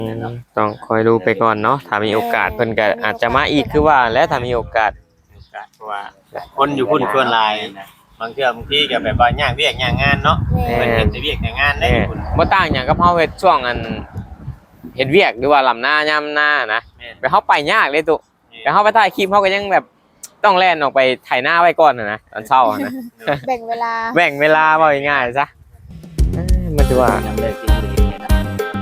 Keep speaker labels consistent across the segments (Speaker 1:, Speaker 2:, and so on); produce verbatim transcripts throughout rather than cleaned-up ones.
Speaker 1: ต้องคอยดูไปก่อนเนาะถ้ามีโอกาสเพิ่นก็อาจจะมาอีกคือว่าแล้วถ้ามีโอกาส
Speaker 2: เพราะว่าคนอยู่พุ่นชวนหลายบางเทื่อบางทีก็แบบว่ายากเวียกยากงานเนาะเพิ่นเฮ็ดแต่เวียกแต่งานได้อยู่พุ่น
Speaker 1: บ่ต่างหยังกับเฮาเฮ็ดช่วงอันเฮ็ดเวียกหรือว่าลำหน้ายามหน้านะไปเฮาไปยากเลยตุไปเฮาไปถ่ายคลิปเฮาก็ยังแบบต้องแล่นออกไปไถนาไว้ก่อนน่ะนะตอนเช้านะ
Speaker 3: แบ่งเวลา
Speaker 1: แบ่งเวลาว่าง่ายๆซะมันสิว่า
Speaker 4: ยังเลยกินบ่ได้นะ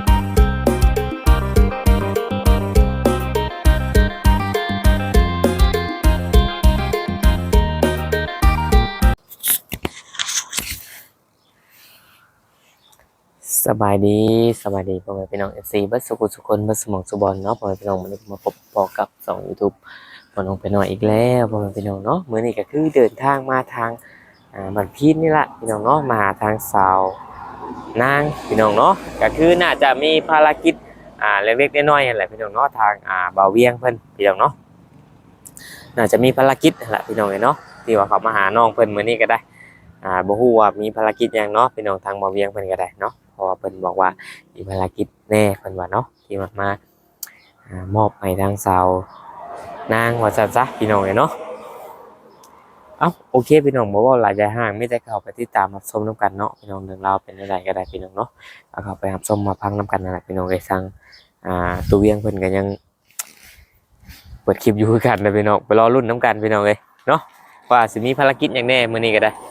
Speaker 1: สบายดีสบายดีพ่อแม่พี่น้อง เอฟ ซี เบิดสุขสุขคนเบิดสมองสุบอลเนาะพ่อแม่พี่น้องวันนี้มาพบปอกับสอง YouTube พ่อน้องไปหน่อยอีกแล้วพ่อแม่พี่น้องเนาะมื้อนี้ก็คือเดินทางมาทางอ่าบ้านพีนนี่ล่ะพี่น้องเนาะมาทางสาวนางพี่น้องเนาะก็คือน่าจะมีภารกิจอ่าเล็กๆน้อยๆนั่นแหละพี่น้องเนาะทางอ่าบ่าวเวียงเพิ่นพี่น้องเนาะน่าจะมีภารกิจนั่นแหละพี่น้องเนาะที่ว่าเขามาหาน้องเพิ่นมื้อนี้ก็ได้อ่าบ่ฮู้ว่ามีภารกิจหยังเนาะพี่น้องทางบ่าวเวียงเพิ่นก็ได้เนาะเพราะว่าเพิ่นบอกว่ามีภารกิจแน่เพิ่นว่าเนาะที่มามาอ่ามอบให้ทางสาวนางว่าซั่นซะพี่น้องเนาะเอ้าโอเคพี่น้องบ่เว้าหลายใจห่างมีแต่เข้าไปติดตามรับชมนํกันเนาะพี่น้องเรื่องราวเป็นจังไดก็ได้พี่น้องเนาะเอาเข้าไปรับชมมาพังนํกันนั่นแหละพี่น้องเอ้ยสั่งอ่าตัวเวียงเพิ่นก็ยังเปิดคลิปอยู่คือกันเลยพี่น้องไปรอลุ้นนํกันพี่น้องเอ้ยเนาะว่าสิมีภารกิจหยังแน่มื้อนี้ก็ได้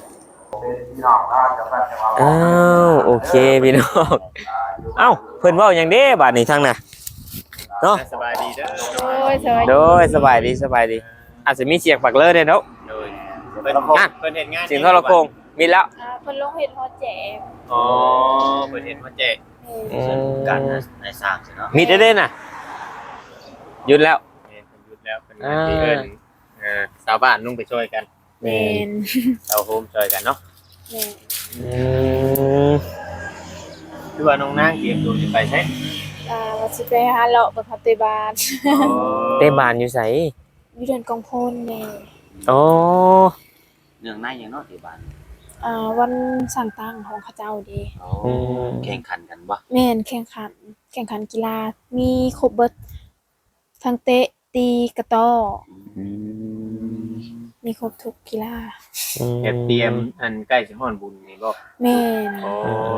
Speaker 1: อ้าวโอเคพี่น้องเอ้าเพิ่นเว้าหยังเด้บาดนี้ทางน่ะเนาะ
Speaker 2: สบายดีเด้อ
Speaker 3: โอ้ยสวัสดี
Speaker 1: โดยสบายดีสบายดีอาจจะมีเสียงปักเลอเด้เนาะ
Speaker 2: โดยเพิ่นเพิ่นเฮ็ดงาน
Speaker 1: เสียงโทรโขงมีแล้ว
Speaker 3: อ่าเพิ่นลงเฮ็ดฮอดแจก
Speaker 2: อ๋อเพิ่นเฮ็ดมาแจก
Speaker 1: อืม
Speaker 4: การในสร้างสิเนาะ
Speaker 1: มีเด้ๆน่ะหยุดแล้ว
Speaker 2: เพิ่นหยุดแล้วเพิ่นก็สิเอิ้นเอ่อชาวบ้านลงไปช่วยกัน
Speaker 3: แม่น
Speaker 2: ชาวโฮมช่วยกันเนาะ
Speaker 3: แม่น
Speaker 1: อืม
Speaker 2: คือว่าน้องนางเตรียมตัวสิไปใช่
Speaker 3: อ่าว่าสิไปหาเลาะเบิ่งคาเตบาน
Speaker 1: เต้บ้านอยู่ไส
Speaker 3: อยู่เดือนกองพลแม่
Speaker 1: อ๋อ
Speaker 4: เรื่องในยังเนาะที่บ้าน
Speaker 3: อ่าวันสั่งตั้งของเขาเจ้าเด้
Speaker 4: อ๋อแข่งขันกันบ่
Speaker 3: แม่นแข่งขันแข่งขันกีฬามีครบเบิดทั้งเตะตีกระต้อ
Speaker 4: อืม
Speaker 3: มีครบทุกกีฬา
Speaker 2: เฮ็ดเตรียมอันใกล้สิฮอดบุญนี่บ่
Speaker 3: แม่น
Speaker 2: อ๋อ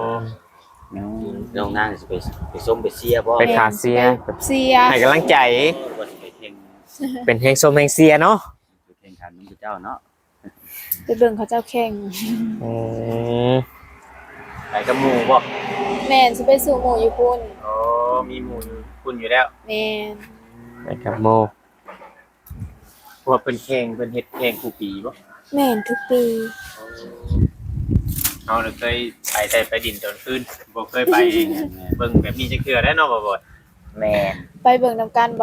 Speaker 4: น้องนางสิไปไปส้มไปเชียร์บ่
Speaker 1: ไปขาเสีย
Speaker 3: เสีย
Speaker 1: ให้กำลังใจ
Speaker 4: บ่สิไปแข่ง
Speaker 1: เป็นแฮงส้มแฮงเสียเนาะ
Speaker 4: ไปแข่งขันนำเจ้าเนาะ
Speaker 3: ไปเบิ่งเขาเจ้าแข่ง
Speaker 1: อืม
Speaker 2: ไปกับหมู่บ่
Speaker 3: แม่นสิไปสู่หมู่อยู่พุ่น
Speaker 2: อ๋อมีหมู่อยู่คุณอยู่แล้ว
Speaker 3: แม่น
Speaker 1: ไปกับโม
Speaker 2: เพราะว่าเพิ่นแข่งเพิ่นเฮ็ดแข่งคู่ปีบ่
Speaker 3: แม่นทุกปี
Speaker 2: เฮาน่ะเคยไปแต่ไปดินตอนคืนบ่เคยไปเบิ่งแบบนี้จักเทื่อได้เนาะบ่บ่
Speaker 4: แม่น
Speaker 3: ไปเบิ่งนำกันบ่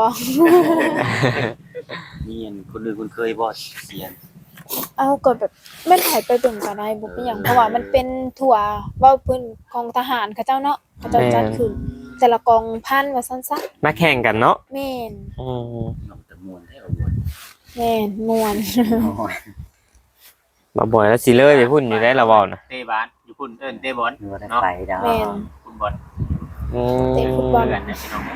Speaker 4: มีอันคนอื่นคนเคยบ่เสียน
Speaker 3: เอาก็แบบแม่นไผไปเบิ่งก็ได้บ่เป็นหยังเพราะว่ามันเป็นทั่วเว้าเพิ่นกองทหารเขาเจ้าเนาะเขาเจ้าจัดขึ้นแต่ละกองพันว่าซั่นซะ
Speaker 1: มาแข่งกันเนาะ
Speaker 3: แม่น
Speaker 1: อืม
Speaker 4: น้องตะมวนให้เอาบ่
Speaker 3: แม่นม่วน
Speaker 4: โอ้ย
Speaker 1: มาบ่อยแล้วสิเลยไปพุ่นอยู่ได้ละเว้าน่ะ
Speaker 2: เตะบาสอยู่พุ่นเอิ้นเตะบอล
Speaker 4: บ่ได้ไปดอก
Speaker 3: แม่น
Speaker 2: ฟุตบอล
Speaker 1: อืม
Speaker 3: เตะฟุตบอล
Speaker 2: เพื่อนนะพี่น้อง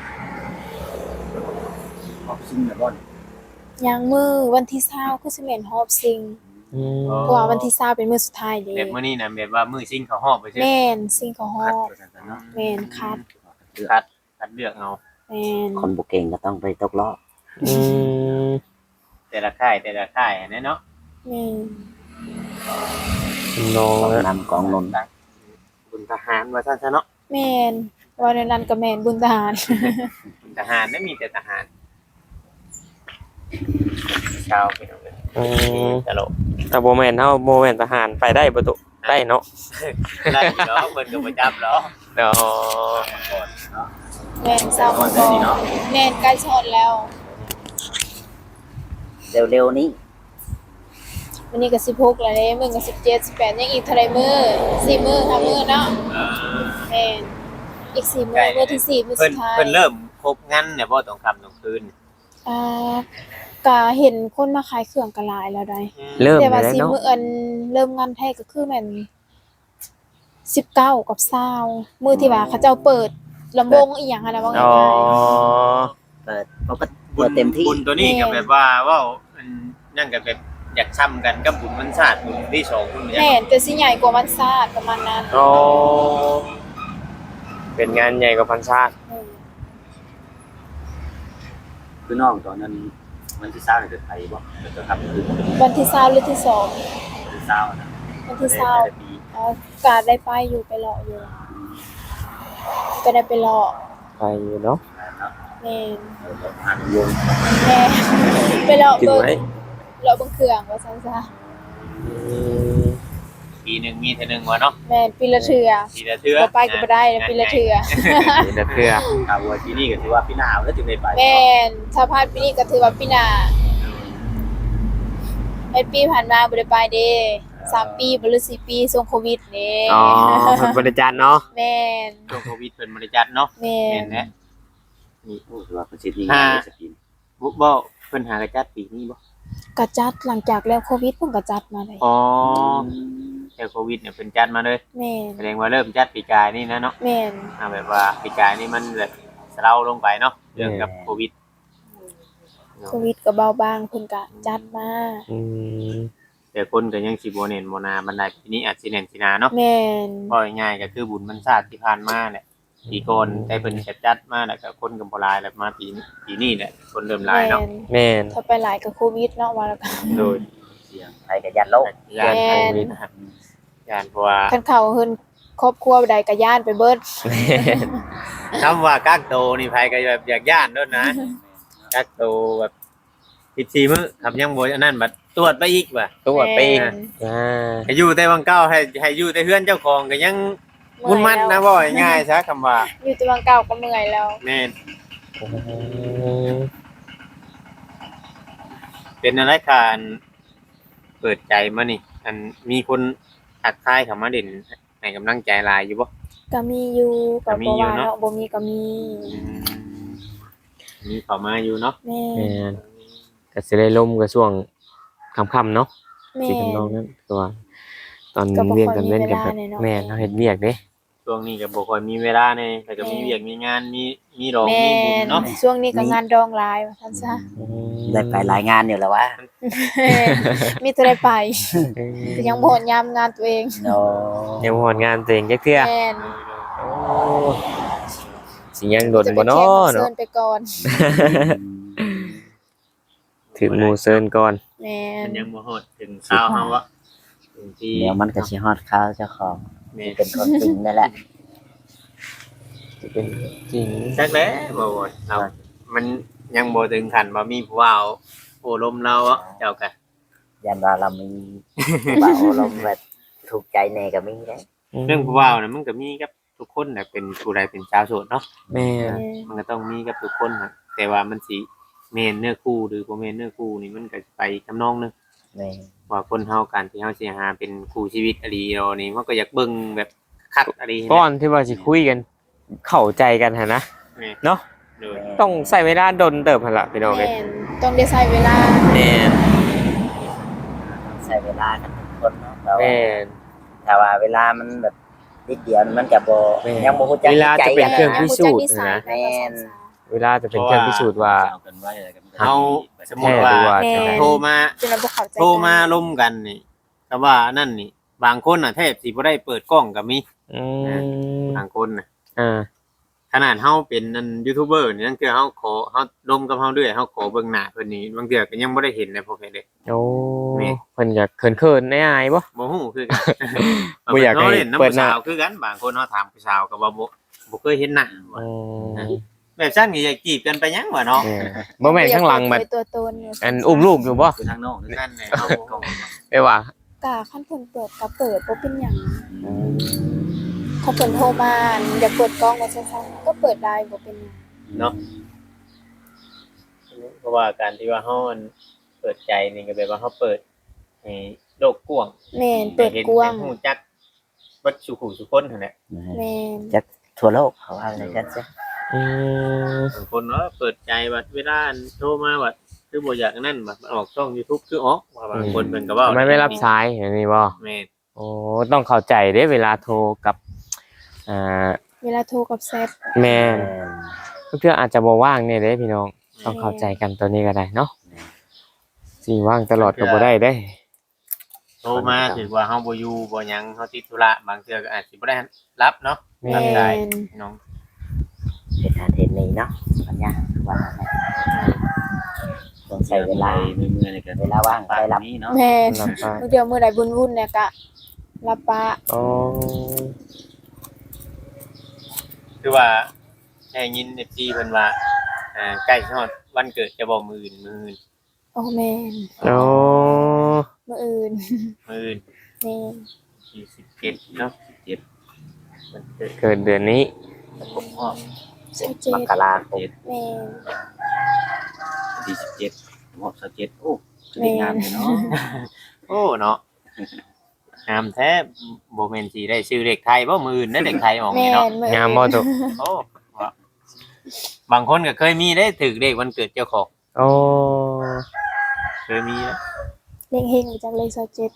Speaker 4: ออกซิ่งแล้วบ่
Speaker 3: ยางมือวันที่เช้าคือสิแม่นฮอบซิง
Speaker 1: อืม
Speaker 3: เพราะว่าวันที่เช้าเป็นมื้อสุดท้ายเด้
Speaker 2: แบบมื้อนี้น่ะแบบว่ามื้อซิ่งเขาฮอบไปซื่อ
Speaker 3: แม่นซิงเขาฮอ
Speaker 4: คัด
Speaker 3: บ
Speaker 4: ว่าซั่นซะเนาะ
Speaker 3: แม่นคัด
Speaker 2: คัดคัดเลือกเอา
Speaker 3: แม่น
Speaker 4: คนบ่เก่งก็ต้องไปตกรอบ
Speaker 1: อืม
Speaker 2: แต่ละค่ายแต่ละค่ายอันนี้เนาะ
Speaker 3: แม่น
Speaker 1: น้อง
Speaker 4: กอง
Speaker 1: อะ
Speaker 4: นำกองลน
Speaker 2: บุญทหารว่าซั่นซะเนาะ
Speaker 3: แม่นว่าในนั้นก็แม่นบุญทหาร
Speaker 2: บุญทหารไม่มีแต่ทหารชาวพี่น้องเอ้ย
Speaker 1: อืม
Speaker 2: ตลก
Speaker 1: แต่บ่แม่นเฮาบ่แม่นทหารไปได้บ่ตุได้เนาะ
Speaker 2: ได้อยู่เนาะเพิ่นก็บ่จับเนาะ
Speaker 1: เนาะ
Speaker 3: แม่นเช้ามาก่อนแม่นใกล้ชดแล้ว
Speaker 4: เร็วๆนี้
Speaker 3: วันนี้ก็สิบหกแล้วเด้มื้อก็สิบเจ็ด สิบแปดยังอีกเท่าใดมื้อสี่มื้อห้ามื้อเนาะ
Speaker 2: เออ
Speaker 3: แม่นอีกสี่มื้อมื้อที่สี่มื้อ
Speaker 2: เพิ่
Speaker 3: สุ
Speaker 2: น
Speaker 3: ดท้าย
Speaker 2: เพิ่นเริ่มครบงั้นเนี่ยบ่ต้องค่ำต้องคืน
Speaker 3: อ่าก็เห็นคนมาขายเครื่องก็หลายแล้วได้
Speaker 1: เริ่ม
Speaker 3: แต่
Speaker 1: ได้
Speaker 3: ว่า
Speaker 1: แล้ว
Speaker 3: สิ
Speaker 1: เนาะ
Speaker 3: มื้ออันเริ่มงานแท้ก็คือแม่นสิบเก้ากับยี่สิบมื้อที่ว่าเขาเจ้าเปิดลำวงอีหยังอะนะว่า
Speaker 1: อ๋อ
Speaker 3: ง่าย
Speaker 4: เปิดปกติ
Speaker 2: บุ
Speaker 4: เปิ
Speaker 2: ญ
Speaker 4: ดเต็มที่
Speaker 2: บุญตัวนี้ก็แบบว่าเว้าอันนั่นก็แบบอยากช้ำกันกับบุญมันชาติบุญที่สองบุญ
Speaker 3: ๆ
Speaker 2: เนี่ย
Speaker 3: แม่นแต่สิใหญ่กว่าวันศาสตร์ประมาณนั้น
Speaker 1: อ๋อเป็นงานใหญ่กว่าพันชาติ
Speaker 3: อืม
Speaker 4: คือน้องตอนนั้นมันที่เศร้าเนี่ยเกิดไปบ่เกิดครับคือ
Speaker 3: วันที่20หรือที่สอง
Speaker 4: ที่เศร้านะ
Speaker 3: วันที่
Speaker 4: แต่
Speaker 3: เช้า
Speaker 4: แต่ปี
Speaker 3: อ๋อกาได้ไปอยู่ไปเลาะอยู่ก็ได้ไปเลาะ
Speaker 1: ไปอยู่เนาะ
Speaker 4: เนาะ
Speaker 3: แม่น
Speaker 4: เออแบบพันวง
Speaker 3: แม่ไปเลาะ
Speaker 1: กิน
Speaker 3: เบิ่ง
Speaker 1: ไหม
Speaker 3: เลาะเบิ่งเครื่องว่าซั่นซะ
Speaker 1: อืม
Speaker 2: ปีหนึงมีเท่านึงวะเนาะ
Speaker 3: แม่นปีละเทื่อ
Speaker 2: ปีละเทื่อ
Speaker 3: บ่ไปก็บ่ได้นะปีละเทื่อ
Speaker 1: นี่นะเพื่อ
Speaker 4: ข่าวว่าที่นี่ก็ถือว่าพี่หนาวแล้วจึงได้ไป
Speaker 3: แม่นถ้าพลาดปีนี้ก็ถือว่าปีหน้าเฮ็ดปีผ่านมาบ่ได้ไปเด้สามปีบ่หรือสี่ปีช่วงโควิดนี่
Speaker 1: อ๋อเพิ่นบริจาคเนาะ
Speaker 3: แม่น
Speaker 2: ช่วงโควิดเป็นบริจัดเนาะ
Speaker 3: แม่
Speaker 2: เห็
Speaker 3: น
Speaker 2: นแหละ
Speaker 4: นี่โอ้ถือว่าประสิทธิ์นี่งานสกิน
Speaker 2: บุบ่เพิ่นหากระจัดปีนี้บ่
Speaker 3: ก็จัดหลังจากแล้วโควิดเพิ่นก็จัดมาเลย
Speaker 2: อ๋อแต่โควิดเนี่ยเพิ่นจัดมาเลย
Speaker 3: แม่น
Speaker 2: แสดงว่าเริ่มจัดปีกายนี่นะเนาะ
Speaker 3: แม่น
Speaker 2: อ่าแบบว่าปีกายนี่มันแบบเศร้าลงไปเนาะเรื่องกับโควิด
Speaker 3: โควิดก็เบาบางเพิ่นก็จัดมา
Speaker 1: อืม
Speaker 2: แต่คนก็ยังสิบ่เน้นบ่นาบันไดปีนี้อาจสิเน้นสินาเนาะ
Speaker 3: แม่น
Speaker 2: บ่ง่ายๆก็คือบุญมันชาติที่ผ่านมาเนี่ยปีก่อนแต่เพิ่นก็จัดมาแล้วก็คนก็บ่หลายแล้วมาปีนี้ปีนี้แหละคนเริ่มหลายเนาะ
Speaker 3: แม่น
Speaker 1: แม่น
Speaker 3: ถ้าไปหลายก็โควิดเนาะว่าแล้วก็
Speaker 2: โดย
Speaker 4: เสียงไปกับยันโลก
Speaker 2: ยาน
Speaker 3: แม่
Speaker 2: โคน วิดนะครับยานเพราะว่า
Speaker 3: คันเข้าเฮือนครอบครัวใดก็ย่านไปเบิด
Speaker 2: คำว่ากักโตวนี่ไผก็แบบอยากย่านด้วยนะกักโตวแบบสิบสี่มื้อคำยังบ่อันนั้นบัดตรวจไปอีกว่ะ
Speaker 1: ตัวไปอีก
Speaker 3: แม่น
Speaker 1: อ่า
Speaker 2: ให้อยู่แต่วังเก้าให้ให้อยู่แต่เฮือนเจ้าของก็ยังมุ่นมั่นนะบ่ง่ายๆซะคำว่า
Speaker 3: อยู่แตัวางเก่าก็เมื่อยแล้ว
Speaker 2: แม่น
Speaker 1: อืม
Speaker 2: เป็นอะไรการเปิดใจมานี่ อันมีคนทักทายเข้ามาเด่นให้กำลังใจหลายอยู่บ่
Speaker 3: ก็มีอยู่ก็
Speaker 2: ก็มี
Speaker 3: บ่
Speaker 2: อยู่
Speaker 3: ว่า
Speaker 2: เนาะ
Speaker 3: เนาะบ่มีก็มี
Speaker 2: อืมมีเข้ามาอยู่เนาะ
Speaker 3: แม่
Speaker 1: แม่นก็สิได้ลมก็ช่วงค่ำๆเนาะ
Speaker 3: แม่
Speaker 1: สิทำนองนั้นตัวตอน
Speaker 3: ก็บ่
Speaker 1: เรียน
Speaker 3: ค่อย
Speaker 1: กันเล่นกัน
Speaker 3: มี
Speaker 1: แบบ
Speaker 3: เวลาเลยเนาะ
Speaker 1: แม่นเฮาเฮ็ดเวียกเด้
Speaker 2: ช่วงนี้ก็บ่ค่อยมีเวลาแน่แล้วก็มีเวียกมีงานมีมีดอก
Speaker 3: แม่
Speaker 2: มีบุญ
Speaker 3: น
Speaker 2: เนาะ
Speaker 3: ช่วงนี้ก็งานดองหลายว่าซั่นซะ
Speaker 4: ได้ไปรายงานอยู่แล้ววะ
Speaker 3: มีแต่ได้ไป
Speaker 1: เออ
Speaker 3: แต่ยังบ่ฮอดยามงานตัวเอง
Speaker 4: โน
Speaker 1: ยังบ่ฮอดงานตัวเองจักเทื่อ
Speaker 3: แม่น
Speaker 1: โอ้สิยังโดนบ่เนาะ
Speaker 3: จะไปแข่งกับ
Speaker 1: เนาะ
Speaker 3: เซิร์นไปก่อน
Speaker 1: ถึงหมู่เซินก่อน
Speaker 3: แม่
Speaker 2: มัน นยังบ่ฮอดถึงเช้าเฮาอะถึงที่
Speaker 4: เดี๋ยวมันก็สิฮอดข้าวเจ้าของ
Speaker 2: แม่
Speaker 4: เป็นคนจริงนั่นแหละ
Speaker 1: จะเป็นจริง
Speaker 2: จักแล้วบ่ว่าเรามันยังบ่ถึงขั้นว่ามีผู้ว่าเอาโอ้ลมเราอะเจ้าก็
Speaker 4: ยันว่าเรามีบ่าวลมแบบถูกใจแน่ก็มีได้
Speaker 2: เรื่องผู้ว่าน่ะมันก็มีกับทุกคนน่ะเป็นผู้ใดเป็นชาวโสดเนาะ
Speaker 1: แม่น
Speaker 2: มันก็ต้องมีกับทุกคนน่ะแต่ว่ามันสิแม่นเนื้อคู่หรือบ่แม่นเนื้อคู่นี่มันก็ไปทำนองนึง
Speaker 4: แม่
Speaker 2: ว่าคนเฮาการที่เฮาสิหาเป็นคู่ชีวิตอดีเรานี่มันก็อยากเบิ่งแบบคัดอดี
Speaker 1: ก่อนที่ว่าสิคุยกัน เข้าใจกันหั่นนะ
Speaker 2: แม่
Speaker 1: เนาะ
Speaker 2: โดย
Speaker 1: ต้องใช้เวลาดนเติบหั่นล่ะพี่น้องเอ้ย
Speaker 3: แม่นต้องได้ใช้เวลา
Speaker 1: แม่น
Speaker 4: ใช้เวลากันทุกคนเนาะแต่ว่า
Speaker 1: แม่น
Speaker 4: ถ้าว่าเวลามันแบบนิดเดียวมันก็บ่
Speaker 1: แม่
Speaker 4: ยังบ่ฮู้จัก
Speaker 1: เวลาจะเป็น
Speaker 4: ใจ
Speaker 1: เครื่อง
Speaker 4: กั
Speaker 1: พิสูจน์
Speaker 3: แม่
Speaker 1: นะ
Speaker 3: แม่น
Speaker 1: เวลาจะเป็นเครื่องพิสูจน์ว่า
Speaker 2: เฮาสมมุติ
Speaker 1: แท้ห
Speaker 2: ว่า
Speaker 1: รือว่า
Speaker 3: แม่
Speaker 1: จังได
Speaker 2: โทรมา
Speaker 3: จนเราบ่เข้าใจกัน
Speaker 2: โทรมาล้มกันนี่ก็ว่านั่นนี่ บางคนน่ะแทบสิบ่ได้เปิดกล้องก็มี
Speaker 1: อืม
Speaker 2: บางคนน่ะ
Speaker 1: อ่า
Speaker 2: ขนาดเฮาเป็นนั่นยูทูบเบอร์นี่นั่นคือเฮาขอเฮาลมกับเฮาด้วยเฮาขอเบิ่งหน้าเพิ่นนี่บางเทื่อก็ยังบ่ได้เห็นเลยพวกเฮ็ดเด้
Speaker 1: โอ้
Speaker 2: แม่
Speaker 1: เพิ่นก็เขินๆในอายบ่
Speaker 2: บ่ฮู้คือกัน
Speaker 1: บ่อยากให้
Speaker 2: เล่นน้ำ
Speaker 1: เปิด
Speaker 2: ผู้
Speaker 1: หน้า
Speaker 2: สาวคือกันบางคนเฮาถามผู้สาวก็ว่าบ่บ่เคยเห็นหน้าว่า
Speaker 1: อืม
Speaker 2: แบบซั่นนี่อยากจีบกันไปยังวะเนาะ
Speaker 1: เออบ่แม่นข้างหลังบัด
Speaker 3: เปิดตัวตนยู่
Speaker 1: อันอุ้มลูกอยู่บ่
Speaker 4: คือทางนอกนี่
Speaker 2: นั่นแหละเฮา
Speaker 1: ไปว่า
Speaker 3: กะคันเพิ่นเปิดก็เปิดบ่เป็นหยังเขาเพิ่นโทรมาอยากเปิดกล้องว่าซั่นๆก็เปิดได้บ่เป็นหยัง
Speaker 2: เนาะเพราะว่าการที่ว่าเฮาอันเปิดใจนี่ก็แบบว่าเฮาเปิดให้โลกกว้าง
Speaker 3: แม่นเปิดกว้าง
Speaker 2: ให้ฮู้จักเบิดสุขุสุคนนั่นแหละ
Speaker 3: แม่น
Speaker 4: จักทั่วโลกเขาว่าอะไรกันซะ
Speaker 1: อืม
Speaker 2: บางคนว่าเปิดใจว่าเวลาอันโทรมาว่าคือบ่อยากนั่นว่าออกช่อง YouTube คือออกว่าบางคนเพิ่นก็เว้า
Speaker 1: ทำไมไม่รับสายอย่างนี้บ่
Speaker 2: แม่น
Speaker 1: โอ้ต้องเข้าใจเด้เวลาโทรกับอ่า
Speaker 3: เวลาโทรกับแซด
Speaker 1: แม่น
Speaker 4: แม่น
Speaker 1: เพื่ออาจจะบ่ว่างเนี่ยเด้พี่น้องต้องเข้าใจกันตัวนี้ก็ได้เนาะสิว่างตลอดก็บ่ได้เด้
Speaker 2: โทรมาถือว่าเฮาบ่อยู่บ่หยังเฮาติดธุระบางเทื่อก็อาจสิบ่ได้รับเนาะ
Speaker 3: แม่
Speaker 2: รับได้
Speaker 3: น
Speaker 2: น้อง
Speaker 4: เป็นอาเทนนี้เนาะปัญญาว่าต้องใช้เวลา
Speaker 5: เมื่อยๆในการ
Speaker 4: เวลาว่างไปรับ
Speaker 5: นี้เนาะ
Speaker 3: แม่น
Speaker 1: รับปาก
Speaker 3: มื้อเดียวมื้อใดวุ่นๆเนี่ยก็รับปะ
Speaker 1: อ๋อ
Speaker 2: คือว่าได้ยิน เอฟ ซี เพิ่นว่าอ่าใกล้ฮอดวันเกิดจะบ่มื้ออื่นมื้ออื่น
Speaker 3: โอ้แม่น
Speaker 1: โอ้
Speaker 3: มื้ออื่น
Speaker 2: มื้ออื่น
Speaker 3: แม่น
Speaker 2: ที่สิบเจ็ดเนาะสิบเจ็ดวันเกิด
Speaker 1: เกิดเดือนนี้
Speaker 5: ผมก็
Speaker 3: สิบเจ็
Speaker 4: ม
Speaker 3: ด
Speaker 4: กราคม
Speaker 3: แม่น
Speaker 5: ที่สิบเจ็ดผมก็สิบเจ็ดโอ้คือได้งานเลยเนาะ
Speaker 2: โอ้เนาะงามแท้บ่แม่นสิได้ชื่อเลขไทยบ่มื้ออื่นได้เลขไทยออก
Speaker 3: แม่
Speaker 2: นี่เนาะ
Speaker 3: นมื้ออื่น
Speaker 1: งามบ่ตุ
Speaker 2: โอ้ว่าบางคนก็เคยมีได้ถึกเลขวันเกิดเจ้าของ
Speaker 1: โอ้
Speaker 2: เคยมีนะ
Speaker 3: เลขเฮงมาจากเลขสิบเจ็ด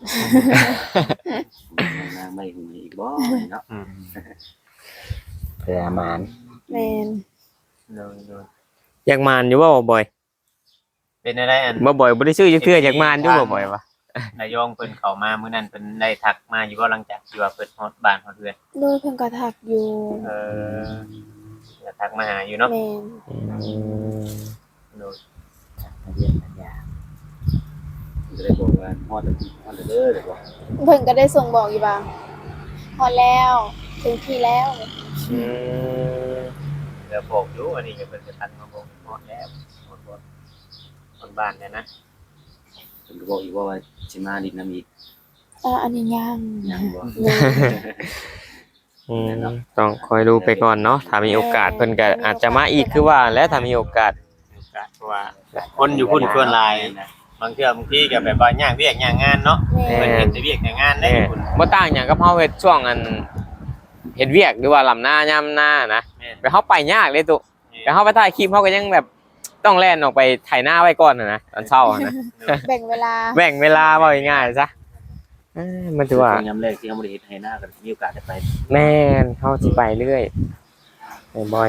Speaker 5: นางไม่หุ่นอีกบ่เนาะ
Speaker 2: อืม
Speaker 4: เพื่อมาน
Speaker 3: แม่น
Speaker 2: โดยโดย
Speaker 1: อยากมานอยู่บ่บ่อย
Speaker 2: เป็นอะไรอัน
Speaker 1: บ่บ่อยบ่ได้ชื่อจักเทื่ออยากมานอยู่บ่บ่อยวะ
Speaker 2: นายองเพิ่นเข้ามามื้อนั้นเพิ่นได้ทักมาอยู่บ่หลังจากที่ว่าเพิ่นฮอดบ้านฮอดเรือน
Speaker 3: โดยเพิ่นก็ทักอยู่
Speaker 2: เออจะทักมาหาอยู่เนาะ
Speaker 3: แม่น
Speaker 1: อืม
Speaker 2: โดย
Speaker 4: เรียนปัญญา
Speaker 5: จะได้บอกว่าฮอดฮอดเด้อเด้อบอก
Speaker 3: เพิ่นก็ได้ส่งบอกอยู่ว่าพอแล้วถึงที่แล้ว
Speaker 1: อืม
Speaker 2: เดี๋ยวบอกอยู่อันนี้ก็เพิ่นจะทักมาบอกฮอดแล้วฮอดบ่ฮอดบ้านเนี่ยนะ
Speaker 5: เพิ่นก็บอกอีกว่าว่าสิมาดินน้ำอีก
Speaker 3: อ่าอันนี้ยัง
Speaker 5: ยังบ่
Speaker 3: แม่น
Speaker 1: อืมต้องคอยดูไปก่อนเนาะถ้ามีโอกาสเพิ่นก็อาจจะมาอีกคือว่าแล้วถ้ามีโอกาส
Speaker 2: โอกาสเพราะว่าคนอยู่พุ่นชวนหลายบางเทื่อบางทีก็แบบว่ายากเวียกยากงานเนาะ
Speaker 3: แม่
Speaker 2: เพิ่น
Speaker 3: น
Speaker 2: เฮ็ดแต่เวียกแต่งานได้
Speaker 1: เอ้ย
Speaker 2: พุ่น
Speaker 1: บ่ต่างหยังกับเฮาเฮ็ดช่วงอันเฮ็ดเวียกหรือว่าลำหน้ายามหน้านะ
Speaker 2: แม่น
Speaker 1: ไปเฮาไปยากเลยตุแต่เฮาไปถ่ายคลิปเฮาก็ยังแบบต้องแล่นออกไปไถหน้าไว้ก่อนน่ะนะตอนเช้าอะนะ
Speaker 3: แบ่งเวลา
Speaker 1: แบ่งเวลาว่าง่ายๆซะเอ้ยมันถือว่า
Speaker 5: ยามแรกที่เฮาบ่ได้เฮ็ดให้หน้าก็มีโอกาสได้ไป
Speaker 1: แม่นเฮาสิไปเรื่อยไปบ่อย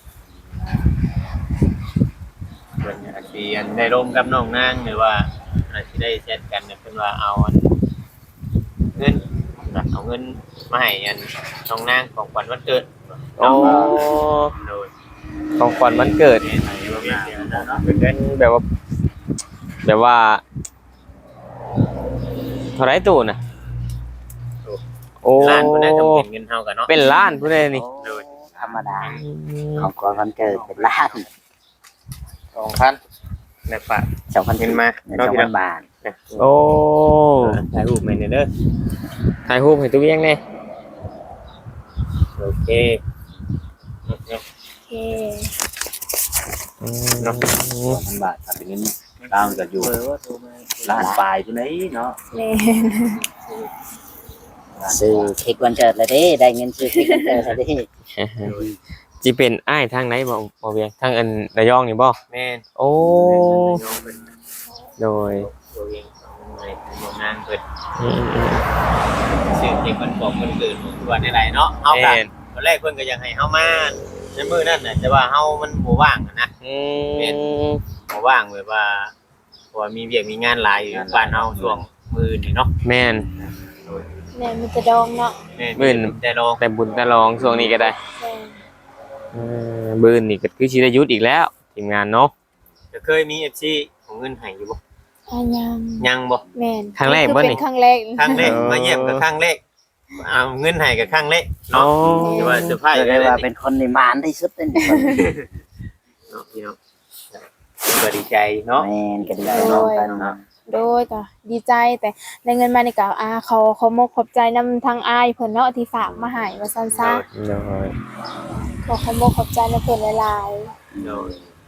Speaker 2: เพิ่นอาจสิอันได้ร่วมกับน้องนางหรือว่าอาจสิได้แชทกันเนี่ยเพิ่นว่าเอาอันเงินเอาเงินมาให้อันน้องนางของขวัญวันเกิด
Speaker 1: โอ้
Speaker 2: โดย
Speaker 1: ของขวัญวันเกิด
Speaker 2: นี่ให้ร่วมงานกันเนาะ
Speaker 1: เป็นแบบว่า แบบว่าเท่าไหรตู้น่ะโอ้
Speaker 2: ล้านพุ่นน่ะก็เป็นเงินเฮากันเนาะ
Speaker 1: เป็นล้านผู้ใดนี่
Speaker 2: โดย
Speaker 4: ธรรมดาของก่อนวันเกิดเป็นล้าน
Speaker 2: สองพันได้ฝาก
Speaker 4: สองพัน
Speaker 2: เงินมา
Speaker 4: สองพันบาท
Speaker 1: โอ้
Speaker 2: ถ่ายรูปมาเด้อ
Speaker 1: ถ่ายรูปให้ตู้ยังไง
Speaker 2: โอเค
Speaker 3: โอเค
Speaker 5: สองพันบาทถ้าเป็นเงินตามก็อยู่ล้านปลายพุ่นไหนเนาะ
Speaker 3: แม่น
Speaker 4: ซื้อเค้กวันเกิดเลยเด้ได้เงินซื้อเค้กวันเกิดเลยเด้
Speaker 1: จีเป็นอ้ายทางไหนบ่บ่เวียงทางอันระยองนี่บ่
Speaker 2: แม่น
Speaker 1: โอ้
Speaker 2: น้องเป็น
Speaker 1: โดย
Speaker 2: ตัวเองของหน่วยโรงงานเปิด
Speaker 1: อืม
Speaker 2: ชื่อเด็กคนบอกคนเกิดทุกวันในไรเนาะ
Speaker 1: ๆ
Speaker 2: เฮา
Speaker 1: แม่
Speaker 2: กัน
Speaker 1: น
Speaker 2: ตอนแรกเพิ่นก็ยังให้เฮามาในมื้อนั้นน่ะแต่ว่าเฮามันบ่ว่างอะนะ
Speaker 1: อื
Speaker 2: แม่น
Speaker 1: ม
Speaker 2: บ่ว่างแบบว่าเพราะว่ามีเวียกมีงานหลายอยู่บ้านเฮาช่วงมื้อนี่เนาะ
Speaker 1: แม่น
Speaker 3: แม่นมันจะดองเนาะ
Speaker 2: แม่น
Speaker 1: มื้อ
Speaker 2: แต่ลอง
Speaker 1: แต่บุญแต่รองช่วงนี้ก็ได้
Speaker 3: แม่น
Speaker 1: เออบื้นนี่ก็คือชิได้หยุทธอีกแล้วทีมงานเนาะ
Speaker 2: จะเคยมี เอฟ ซี ของเงินให้อยู่บ่
Speaker 3: อ่ะยัง
Speaker 2: ยังบ่
Speaker 3: แม่น
Speaker 1: ครั้งแรก
Speaker 3: คือ
Speaker 1: บ่
Speaker 3: เป็
Speaker 1: นี่
Speaker 3: นครั้งแรก
Speaker 2: ครั้งแรก
Speaker 1: เออ
Speaker 2: มาเยี่ยมก็ครั้งแรกเอาเงินให้ก็ครั้งแรก
Speaker 1: อ๋อ
Speaker 2: เนาะที่ว่าเซอร์ไพรส์
Speaker 4: เรียก
Speaker 2: ได้
Speaker 4: ได้
Speaker 2: เลย
Speaker 4: ว่า
Speaker 2: นี่
Speaker 4: เป็นคนในมานที่สุดเลยนี่
Speaker 2: เนาะพี่น้องก็ดีใจเนาะ
Speaker 4: แม่นก็ดีใจน้องกันเนาะ
Speaker 3: โดยก็ดีใจแต่ได้เงินมานี่ก็อ่าเขาเขามกขอบใจนำทางอ้ายเพิ่นเนาะที่ฝากมาให้ว่าซั่นซะ
Speaker 1: โดย
Speaker 3: ขอเขามกขอบใจนำเพิ่นหลาย
Speaker 2: โดย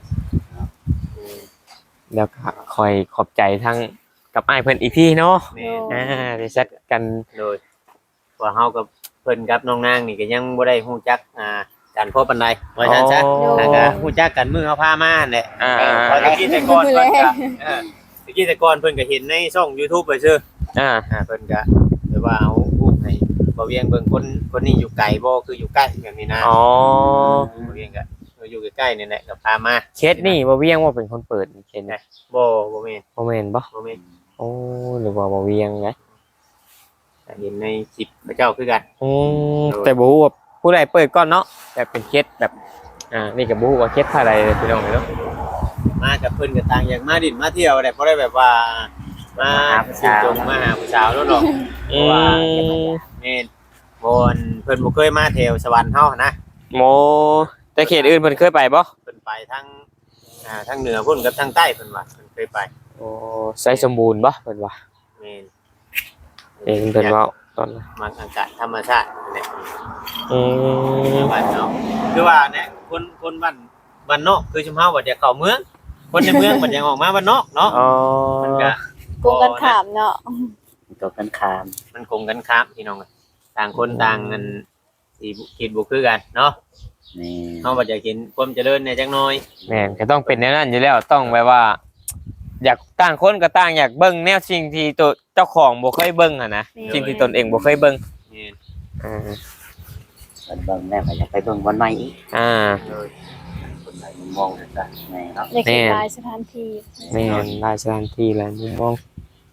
Speaker 1: แล้วก็คอยขอบใจทั้งกับอ้ายเพิ่นอีกทีเนาะ
Speaker 2: แม่น
Speaker 1: อ่าได้แชทกัน
Speaker 2: โดยว่าเฮากับเพิ่นกับน้องนางนี่ก็ยังบ่ได้ฮู้จักอ่ากันพอปานใดว่าซั่นซะ
Speaker 1: อ๋อ
Speaker 2: แล้วก็ฮู้จักกันมื้อเฮาพามานั่นแหละ
Speaker 1: อ่า
Speaker 2: ตอนกี้แต่ก่อนเพิ่นก็เออตะกี้แต่ก่อนเพิ่นก็เห็นในช่อง YouTube ไปซื่อ
Speaker 1: อ่า
Speaker 2: อ่าเพิ่นก็แบบว่าเอารูปให้บ่เวียงเบิ่งคนคนนี้อยู่ไกลบ่คืออยู่ใกล้แบบนี้นะ
Speaker 1: อ๋อ
Speaker 2: บ่เวียงก็อยู่ใกล้ๆนี่แหละก็พามา
Speaker 1: เคสนี่บ่เวียงว่าเป็นคนเปิดเคสนะ
Speaker 2: บ่บ่แม่น
Speaker 1: บ่แม่นบ่
Speaker 2: บ่แม่น
Speaker 1: โอ้หรือว่าบ่เวียงไง
Speaker 2: แต่เห็นในคลิปพระเจ้าคือกัน
Speaker 1: อืมแต่บ่ฮู้ว่าผู้ใดเปิดก่อนเนาะแบบเป็นเคสแบบอ่านี่ก็บ่ฮู้ว่าเคสอะไรพี่น้องเนาะ
Speaker 2: มากับเพิ่นก็ต่างอย่างมาดินมาเที่ยวได้บ่ได้แบบว่ามาสิจงมาหาผู้สาวแล้วหรอกเพ
Speaker 1: อื
Speaker 2: ราะว่าม แม่นบ่นเพิ่นบ่เคยมาแถวสวรรค์เฮานะ
Speaker 1: โมแต่เขตอื่นเพิ่นเคยไปบ่
Speaker 2: เพิ่นไปทั้งอ่าทั้งเหนือพุ่นกับทั้งใต้เพิ่นว่าเพิ่นเคยไป
Speaker 1: โอ้ใส่สมบูรณ์บ่เพิ่นว่า
Speaker 2: แม่น
Speaker 1: เองเพิ่นเว้าตอนนั้น
Speaker 2: มาอากาศธรรมชาตินี่แหละ
Speaker 1: อืม
Speaker 2: บ้านเนาะคือว่าเนี่ยคนคนบ้านบ้านนอกคือชุมเฮาบ่จะเข้าเมืองคนในเมืองบ่จะออกมาบ้านนอกเนาะ
Speaker 1: อ๋อ
Speaker 2: มันก็
Speaker 3: กงกันขามเนาะ
Speaker 4: ตัวกันขาม
Speaker 2: มันคงกันครับพี่น้องต่างคนต่างเงินสิคิดบ่คือกันเนาะ
Speaker 4: นี่
Speaker 2: เฮาบ่จะเห็นความเจริญในจักหน่อย
Speaker 1: แม่นก็ต้องเป็นแนวนั้นอยู่แล้วต้องแบบว่า อยากต่างคนก็ต่างอยากเบิ่งแนวสิ่งที่ตัวเจ้าของบ่เคยเบิ่งอ่ะนะสิ่งที่ตนเองบ่เคยเบิ่ง
Speaker 2: นี่
Speaker 1: อ่า
Speaker 4: เบิ่งเบิ่งแล้วก็อยากไปเบิ่งวันใหม่อีก
Speaker 1: อ่า
Speaker 2: เลย
Speaker 4: คนไหนมุมมองเลยจ้ะแม่เนาะ
Speaker 3: อยากเห็นหลายสถานที่
Speaker 1: แม่นหลายสถานที่หลายมุมมอง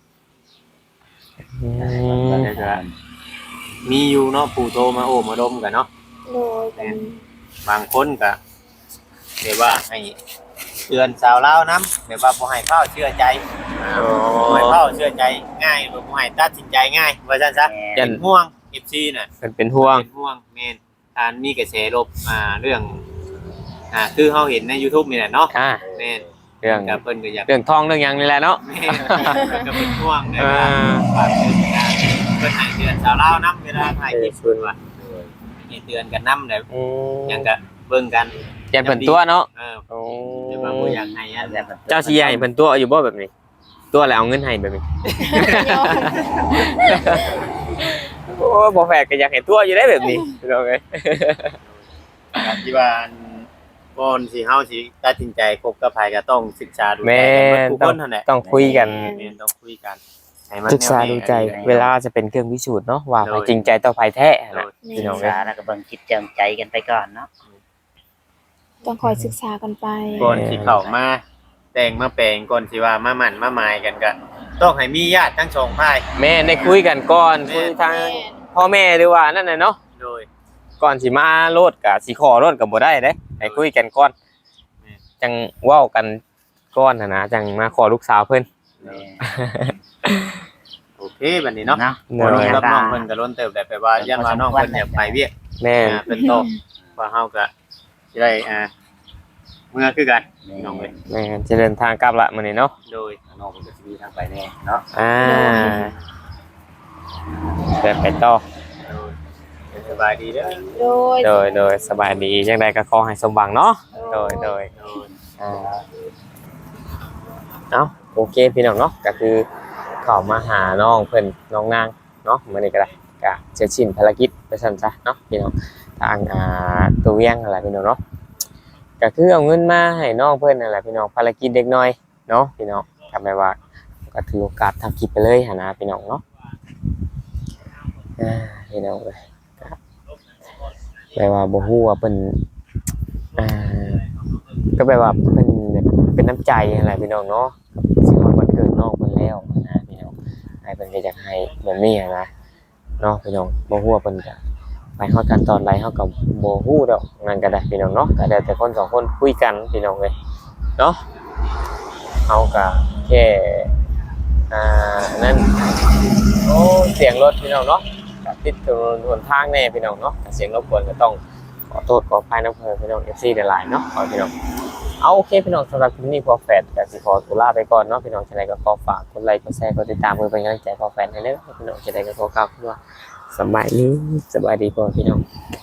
Speaker 1: อืม
Speaker 2: แล้วก็มีอยู่เนาะผู้โทรมาโอ้มาดมกันเนาะ
Speaker 3: โดยเป็น
Speaker 2: บางคนก็เรียกว่าให้เตือนสาวลาวนํแบบว่าบ่ให้เข้าเชื่อใจบ่ให้เข้าเชื่อใจง่ายบ่ให้ตัดสินใจง่ายว่าซั่นซะ
Speaker 4: แม่
Speaker 2: เป็นห่วง เอฟ ซี น่ะ
Speaker 1: เป็นเป็นห่วง
Speaker 2: เป็นห่วงแม่นการมีกระแสลบอ่าเรื่องอ่าคือเฮาเห็นใน YouTube นี่แหละเนาะ
Speaker 1: อ่า
Speaker 2: แม่น
Speaker 1: เรื่อง
Speaker 2: ก็เพิ่นก็อยาก
Speaker 1: เรื่องทองเรื่องหยังนี่แหละเนาะ
Speaker 2: แม่นก็เป็นห่วงนะ
Speaker 1: อ่า
Speaker 2: ฝากเตือนนะเพิ่นให้เตือนสาวลาวนํเวลาถ่ายคลิปเพิ่นว่าให้เตือนกันนำได้
Speaker 1: อืม
Speaker 2: หยังก็เบิ่งกัน
Speaker 1: ยันเพิ่นตัวเนาะ
Speaker 2: เออ
Speaker 1: โอ้
Speaker 2: แต่ว่าบ่อยากให้อัน
Speaker 4: แล้วมัน
Speaker 1: เจ้าสิใหญ่เพิ่นตัวอยู่บ่แบบนี้ ตัวแล้วเอาเงินให้แบบนี้ โอ้บ่แฟกก็อยากเห็นตัวอยู่ได้แบบนี้พี่น้องเอ้ย
Speaker 2: การที่ว่าอันก่อนสิเฮาสิตัดสินใจคบกับไผก็ต้องศึกษาดูใจ
Speaker 1: แม่
Speaker 2: กันเบิดทุก
Speaker 1: ต้
Speaker 2: ค
Speaker 1: อง
Speaker 2: นเท่านั้นแหละ
Speaker 1: ต้องคุยกัน
Speaker 2: แม่นต้องคุยกันให้มัน
Speaker 1: ศึกษาดูใจ เวลาจะเป็นเครื่องพิสูจน์เนาะว่าไผจริงใจต่อไผแท้นะพี่น้อง
Speaker 4: ศึก
Speaker 1: เอ้ย
Speaker 4: ษาแล้วก็เบิ่งคิดเจิมใจกันไปก่อนเนาะ
Speaker 3: ต้องคอยศึกษากันไป
Speaker 2: ก่อนสิเข้ามาแต่งมาแปลงก่อนสิว่ามาหมั่นมาหมายกันก็ต้องให้มีญาติทั้งสองฝ่าย
Speaker 1: แม่ได้คุยกันก่อนคุยทางพ่อแม่หรือว่านั่นน่ะเนาะ
Speaker 2: โดย
Speaker 1: ก่อนสิมาโลดก็สิขอโลดก็บ่ได้เด้ให้คุยกันก่อน
Speaker 2: แม่
Speaker 1: จังเว้ากันก่อนน่ะนะจังมาขอลูกสาวเพิ่น
Speaker 4: แม่
Speaker 2: โอเคบัดนี้เนาะ
Speaker 4: เนาะ
Speaker 1: เน
Speaker 2: บ่
Speaker 1: อะ
Speaker 2: ลงกับน้องเพิ่นก็ล้นเติบได้ไปว่ายันว่าน้องเพิ่นอยากไปเวียก
Speaker 1: แม่
Speaker 2: อ่าเป็นโตว่าเฮาก็สิได้อ่าเมื่อคือกันน้องเอ้ย
Speaker 1: แม่จะเดินทางกลับละมื้อนี้เนาะ
Speaker 2: โดย
Speaker 5: ข้างนอกมันก็จะมีทางไปแน่เนาะ
Speaker 1: อ่าเดินไปต่อ
Speaker 2: โดยสบายดีเด้อ
Speaker 3: โดย
Speaker 1: โดยโดยสบายดีจังใดก็ขอให้สมหวังเนาะโดยโดย
Speaker 2: โดย
Speaker 1: อ่าเอ้าโอเคพี่น้องเนาะก็คือเข้ามาหาน้องเพิ่นน้องนางเนาะมื้อนี้ก็ได้ก็เสร็จสิ้นภารกิจไปซั่นซะเนาะพี่น้องทางอ่าตัวเวียงอะไรพี่น้องเนาะก็คือเอาเงินมาให้น้องเพิ่นนั่นแหละพี่น้องภารกิจเด็กน้อยเนาะพี่น้องทำไมว่าก็ถือโอกาสทำคลิปไปเลยหั่นนะพี่น้องเนาะอ่าพี่น้องเอ้ยก็แปลว่าบ่ฮู้ว่าเพิ่นอ่าก็แปลว่าเพิ่นแบบเป็นน้ำใจอะไรพี่น้องเนาะสิฮอดวันเกิดน้องเพิ่นแล้วนะพี่น้องให้เพิ่นก็อยากให้แบบนี้อะนะเนาะพี่น้องบ่ฮู้ว่าเพิ่นจะไปฮอดกันตอนใดเฮาก็บ่ฮู้ดอกนั่นก็ได้พี่น้องเนาะก็ได้แต่คนสองคนคุยกันพี่น้องเอ้ยเนาะเฮาก็แค่อ่านั่นโอ้เสียงรถพี่น้องเนาะก็ติดถนนหนทางแน่พี่น้องเนาะเสียงรบกวนก็ต้องขอโทษขออภัยนำเพิ่นพี่น้อง เอฟ ซี หลายๆเนาะขอพี่น้องเอาโอเคพี่น้องสำหรับคลิปนี้พอแฟดก็สิขอตัวลาไปก่อนเนาะพี่น้องจังไดก็ขอฝากกดไลค์กดแชร์กดติดตามเพื่อเป็นกำลังใจพอแฟดให้เด้อพี่น้องจังไดก็ขอกล่าวคำว่าสบายดีสบายดีพ่อพี่น้อง